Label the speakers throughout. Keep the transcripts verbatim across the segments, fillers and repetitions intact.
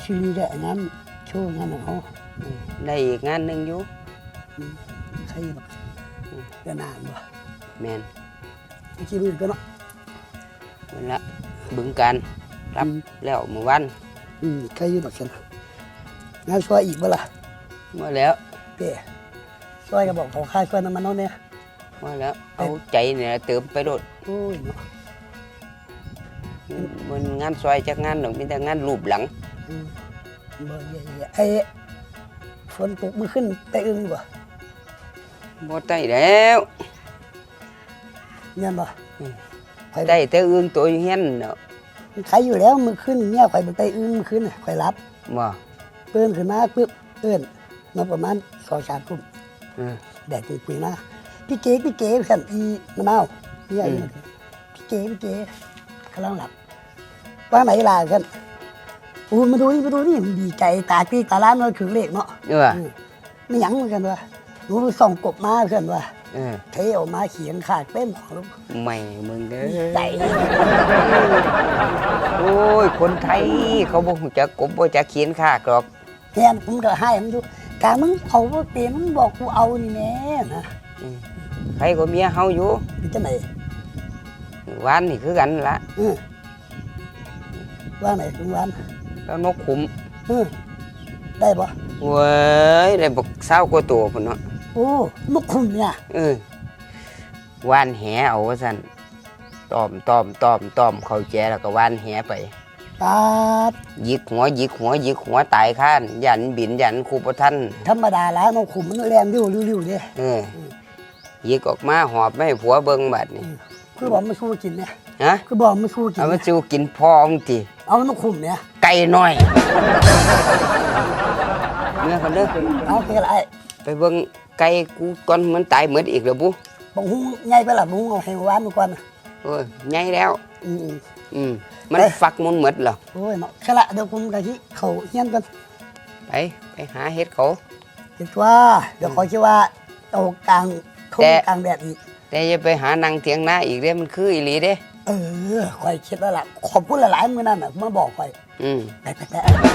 Speaker 1: ซีรีส์ได้งานโชว์งานของเขา
Speaker 2: ได้อีกงานหนึ่งอยู่
Speaker 1: ใครแบบเดือนนานบ่
Speaker 2: แมน
Speaker 1: กี่มื้อก็เนาะ
Speaker 2: มันละบึงการรับแล้วเมื่อวัน
Speaker 1: อืมใครอยู่บักซั่นงานช่วยอีกบ่ล่ะ
Speaker 2: มาแล้ว
Speaker 1: เป้ช่วยก็บอกเขาค่าช่วยน้ำมันเนาะเนี่ย
Speaker 2: มาแล้วเอาใจเนี่ยเติมไปโดด
Speaker 1: โอ้ยเนาะ
Speaker 2: มันงานซอยจากงานหนึ่งมีแต่งานรูปหลัง
Speaker 1: บ่เยอะๆไอ้ฝนตกมือขึ้นแต่อึ้งบ่
Speaker 2: บ่ได้แล้ว
Speaker 1: เนี่ยบ่
Speaker 2: ได้แต่อึ้งตัวเฮียนเนาะ
Speaker 1: ใครอยู่แล้วมือขึ้นเนี่ยข่อยบ่ได้อึ้งมือขึ้นน่ะข่อยรับ
Speaker 2: บ่
Speaker 1: เปิ้นขึ้นมาปึ๊บเอิ้นมาประมาณสองสามทุ่ม
Speaker 2: เออ
Speaker 1: แดดปุยๆนะพี่เก๋พี่เก๋ซั่นอีมะนาวพี่ใหญ่พี่เก๋พี่เก๋กำลังหลับว่าไหนล่ะซั่นโอ้มาดูนี่มาดูนี่ดีใจตาปีตาล้านมันถึงเลขเนาะ
Speaker 2: เออ
Speaker 1: ไม่หยังเหมือนกันว่าหนูส่องกบมาเพื่อนว่า
Speaker 2: เออ
Speaker 1: เทออกมาเขียนขาดเต้นของลูก
Speaker 2: ไม่มึงเด้อ
Speaker 1: ใจ
Speaker 2: โอ้ยคนไทยเขาบ่ฮู้จักกบบ่จักเขียนขากหรอก
Speaker 1: แทนผมก็ให้มันอยู่กามึงเอาบ่เป็นมึงบอกกูเอานี่แม่นะ
Speaker 2: ใครก็เมียเฮาอยู่
Speaker 1: เป็นจังได๋
Speaker 2: วานนี่คือกันล่ะ
Speaker 1: เออว่าไหนถึงวาน
Speaker 2: แล้วนกขุม
Speaker 1: เออได้บ่
Speaker 2: เว้ยได้บักเศร้ากว่าตัวพุ่นเนาะ
Speaker 1: โอ้นกขุมเนี่ย
Speaker 2: เออวานแหเอาว่าซั่นตอมตอมตอมตอมเข้าแจแล้วก็วานแหไป
Speaker 1: ปาด
Speaker 2: หยิกหัวหยิกหัวหยิกหัวตายข้านยันบินยันครูบ่ทัน
Speaker 1: ธรรมดาแล้วนกขุมมันแรงริ้วริ้วๆเด้
Speaker 2: เออหยิกออกมาหอบไม่ให้ผัวเบิ่งบัดนี่
Speaker 1: คือบอกไม่สู้กินเนี่ย
Speaker 2: ฮะ
Speaker 1: คือบอกไม่สู้กิน
Speaker 2: เอามาสู้กินพอมึงติ
Speaker 1: เอานกขุมเนี่ย
Speaker 2: ไก่น้อยเมื่อคนเด้อ
Speaker 1: เอาไปอะไร
Speaker 2: ไปเบิ่งไก่กูก่อนมันตายหมดอีกแล้วบุ
Speaker 1: บ่ฮู้ใหญ่ไปล่ะบ่ฮู้เอาให้หวานก่อน
Speaker 2: โอ้ยใหญ่แล้ว
Speaker 1: อือ
Speaker 2: อืมมันฟักมุนหมดแล้ว
Speaker 1: โอ้ยเนาะแค่ละเดี๋ยวผมกะสิเข้าเฮียนก่อน
Speaker 2: ไปไปหาเฮ็ดเขา
Speaker 1: เฮ็ดว่าเดี๋ยวขอคิดว่าเอากลางทุ่งกลางแดดอีก
Speaker 2: แต่อย่าไปหานั่งเถียงนาอีกเด้มันคืออีหลีเด้
Speaker 1: เออข่อยคิดแล้วล่ะขอบคุณหลายๆมื้อนั้นน่ะมาบอกข่อย
Speaker 2: อืม
Speaker 1: ไปๆๆ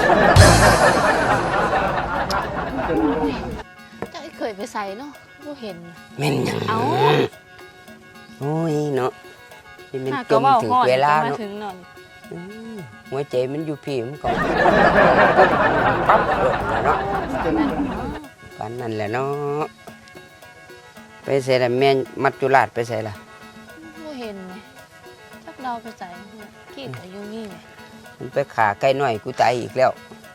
Speaker 3: จะเคยไปใส่เนาะบ่เห็น
Speaker 2: แม่นหยังเอ้าโอ้ยเนาะนี่มันจมถึงเวลาเนาะหัวใจมันอยู่พี่มันก็ปั๊บเนาะปานนั้นแหละเนาะไปใส่ละแม่มัจจุราชไปใส่ละ
Speaker 3: บ่เห็นไงจักเราไปใส่คิดอายุนี่ไง
Speaker 2: มันไปขาไก่น้อยกูตายอีกแล้ว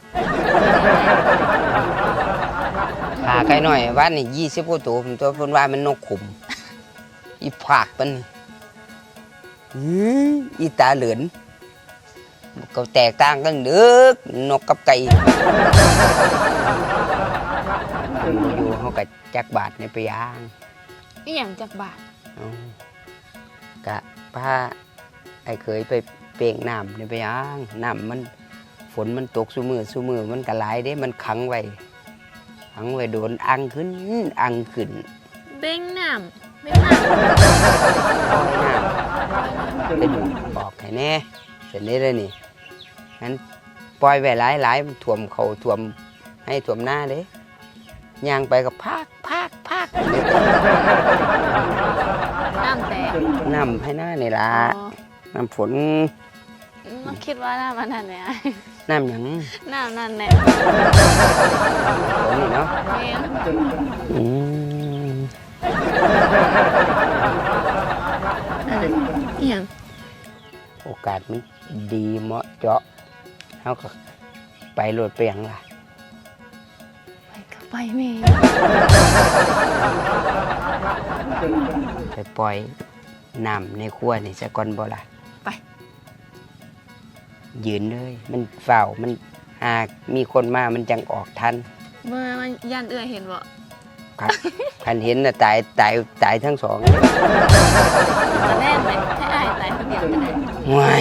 Speaker 2: ขาไก่น้อยวันนี้ยี่สิบกว่าตัวผมตัวเพิ่นว่ามันนกขุมอีผากมันอีตาเหลือนก็แตกต่างกันเด้อนกกับไก่อยู่เฮาก็จักบาทในไปย่าง
Speaker 3: อีหยังจักบาท
Speaker 2: กะพาไอ้เคยไปเป่งน้ำในไปย่างน้ำมันฝนมันตกซุมือซุมือมันก็หลายเด้มันขังไว้ขังไว้โดนอังขึ้นอังขึ้น
Speaker 3: เบ่งน้ำเบ่งน้ำ
Speaker 2: ปล่อยน้ำเป็นบอกให้แน่เสร็จนี้เลยนี่งั้นปล่อยไว้หลายหลายถ่วมเขาถ่วมให้ถ่วมหน้าเด้ย่างไปกับพากพากพาก
Speaker 3: น้ำแตก
Speaker 2: น้ำให้หน้านี่ล่ะน้ำฝน
Speaker 3: มาคิดว่าน้ำมันนั่นเนี่ย
Speaker 2: น้ำหยัง
Speaker 3: น้ำนั่นแหละ
Speaker 2: ฝนนี่เนาะอืม
Speaker 3: อีหยัง
Speaker 2: โอกาสมันดีเหมาะเจาะเขาก็ไปโหลดไปอย่างไร
Speaker 3: ไปก็ไปแม่
Speaker 2: ไปปล่อยน้ำในครัวนี่จะก่อนบ่ล่ะ
Speaker 3: ไป
Speaker 2: ยืนเลยมันเฝ้ามันหากมีคนมามันจังออกทัน
Speaker 3: เมื่อมันย่านเอื้อเห็นบ่
Speaker 2: ครับคันเห็นน่ะตายตายตายทั้งสอง
Speaker 3: จะแน่นไหมให้อายตายคนเดียวจะได้
Speaker 2: ไม่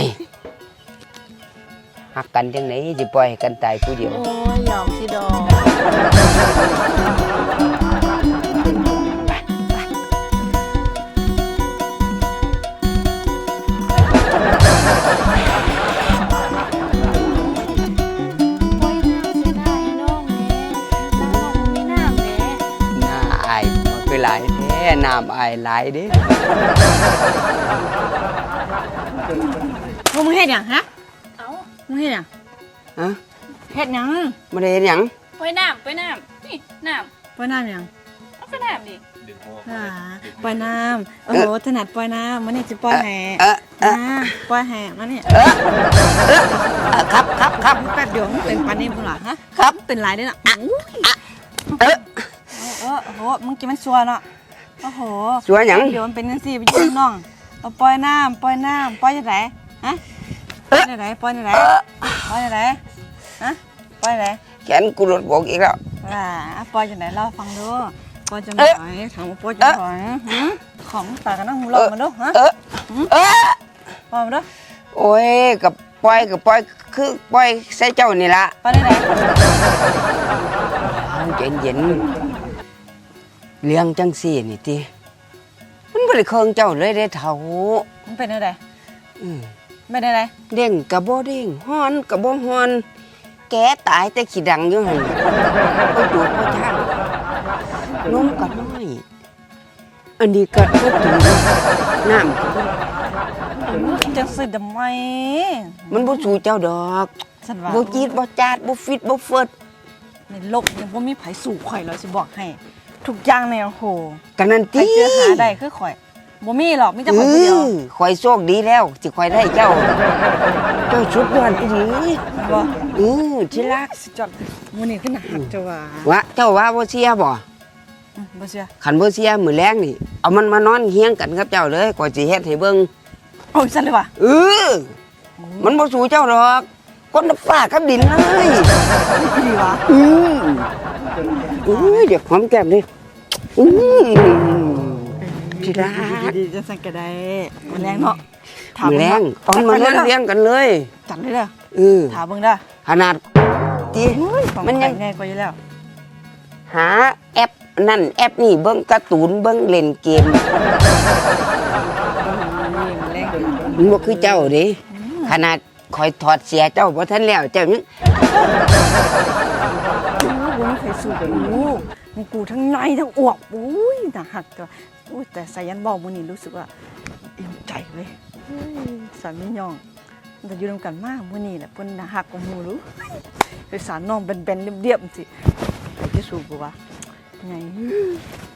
Speaker 2: หักกันจังไหนสิปล่อยกันตายผู้เดียว
Speaker 3: โอ้ยยอมสิดอก
Speaker 2: อายมันคือหลายแท้น้ำอายหลายเด้
Speaker 4: พวกมึงเฮ็ดหยังฮะ
Speaker 3: เอ้า
Speaker 4: มึงเฮ็ดหยัง
Speaker 2: ฮะ
Speaker 4: เฮ็ดหยัง
Speaker 2: บ่ได้เฮ็ดหยัง
Speaker 3: ไปน้ำไปน้ำนี่น้
Speaker 4: ปล่อยน้ำหยัง
Speaker 3: ำเอาไปน้ำดิ
Speaker 4: อ่าปล่อยน้ำโอ้โหถนัดปล่อยน้ำมันนี่จะปล่อยแห่
Speaker 2: เออเออ
Speaker 4: อ่าปล่อยแห่มาเนี่ย
Speaker 2: เออเออเออครับครับครับ
Speaker 4: แป๊บเดียวมึงเป็นปานนี้พุ่นล่ะฮะ
Speaker 2: ครับ
Speaker 4: เป็นไรได้น่ะอู้ย
Speaker 2: เออ
Speaker 4: เออโอ้โหมึงกินมันชัวเนาะโอ้โห
Speaker 2: ชัวหยัง
Speaker 4: เดี๋ยวมันเป็นจังซี่ไปยืมน้องเอาปล่อยน้ำปล่อยน้ำปล่อยจังไดฮะปล่อยจังไดปล่อยจังไดปล่อยจังไดฮะปล่อยจังได
Speaker 2: แขนกูหลุดบอกอีกแล้ว
Speaker 4: อ่าปอยจังไหนเล่าฟังดูปอยจังไหน
Speaker 2: เอ๊ะ
Speaker 4: ถามว่าปอยจังไหนหือของตากันนั่งลองมาดูฮะ
Speaker 2: เออเออ
Speaker 4: ปอยมาดู
Speaker 2: โอ้ยกับปล่อยกับปล่อยคือปล่อยใส่เจ้านี่ละ
Speaker 4: ปอยได้ไหน
Speaker 2: เย็นเย็นๆเลี้ยงจังสี่นี่ติมันบ่ได้เคืองเจ้าเลยได้เท่า
Speaker 4: มันเป็นอะไร
Speaker 2: อืม
Speaker 4: ไม่ได้ไร
Speaker 2: เด้งกะบ่เด้งฮ้อนกะบ่ฮ้อน แกตายแต่ขี้ดังอยู่หั่นบ่ดูบ่ช่างนมก็น้อย อันนี้ก็บ่ถึงน้ำก็บ่
Speaker 4: จังสิดำไม
Speaker 2: มันบ่สู้เจ้าดอก
Speaker 4: ฉันว่า
Speaker 2: บ่จีดบ่จาดบ่ฟิตบ่เฟิด
Speaker 4: ในโลกนี้บ่มีไผสู่ข่อยเลยสิบอกให้ ทุกอย่างเนี่ยโอ้โห
Speaker 2: กันนั่น
Speaker 4: ใคร
Speaker 2: ติ
Speaker 4: เจอหาได้คือข่อยบ่มีหรอกมีแต่
Speaker 2: เอ
Speaker 4: ข่อยผู้เดียว
Speaker 2: อข่อยโชคดีแล้วที่ข่อยได้เจ้า เจ้าชุดยอดอีหลี
Speaker 4: บ่
Speaker 2: เออที่รัก
Speaker 4: สุดยอดมื้อนี้คือหนักหักจ้ะว่า
Speaker 2: ว่าเจ้าว่าบ่เสียบ่
Speaker 4: อืมบ่เชื่อ
Speaker 2: คันบ่เสียมื้อแลงนี่เอามันมานอนเฮียงกันกับเจ้าเลยข่อยสิเฮ็ดให้เบิ่ง
Speaker 4: โอ้ยสั่นเลยว่ะ
Speaker 2: เออมันบ่สู้เจ้าดอกคนละฟ้ากับดินเลย
Speaker 4: ดีวะ
Speaker 2: อืออุ้ยเดี๋ยวหอมแก้มดิอือที่รัก
Speaker 4: ดีๆจังซั่นก็ได้มันแรงเนาะ
Speaker 2: มื้อแลงเอามานอนเลี้ยงกันเลย
Speaker 4: จัดเลยเด้อ
Speaker 2: เออ
Speaker 4: ถามเบิ่งเด้อ
Speaker 2: ขนาดที่
Speaker 4: ของ
Speaker 2: มัน
Speaker 4: มั
Speaker 2: ยั
Speaker 4: น
Speaker 2: ง
Speaker 4: ง่ายกว่าอยู่แล้ว
Speaker 2: หาแอปนั่นแอปนี่เบิ่งการ์ตูนเบิ่งเล่นเกม
Speaker 4: นี่มันแรง
Speaker 2: มันบ่คือเจ้าเด้ขนาดคอยถอดเสียเจ้าบ่ทันแล้วเจ้ายัง
Speaker 4: กูไม่เคยสู้กูมึงกูทั้งในทั้งอวกอุ้ยน่าหักตัวอุ้ยแต่สายันบอกมื้อนี้รู้สึกว่าอิ่มใจเว้ยอุ้ยสามีย่องแต่อยู่นำกันมากมื้อนี้แหละเพิ่นน่าหักกว่าหมู่รู้ไปสารน้องเป็นๆเรียบๆสิไปที่สู้กูวะไง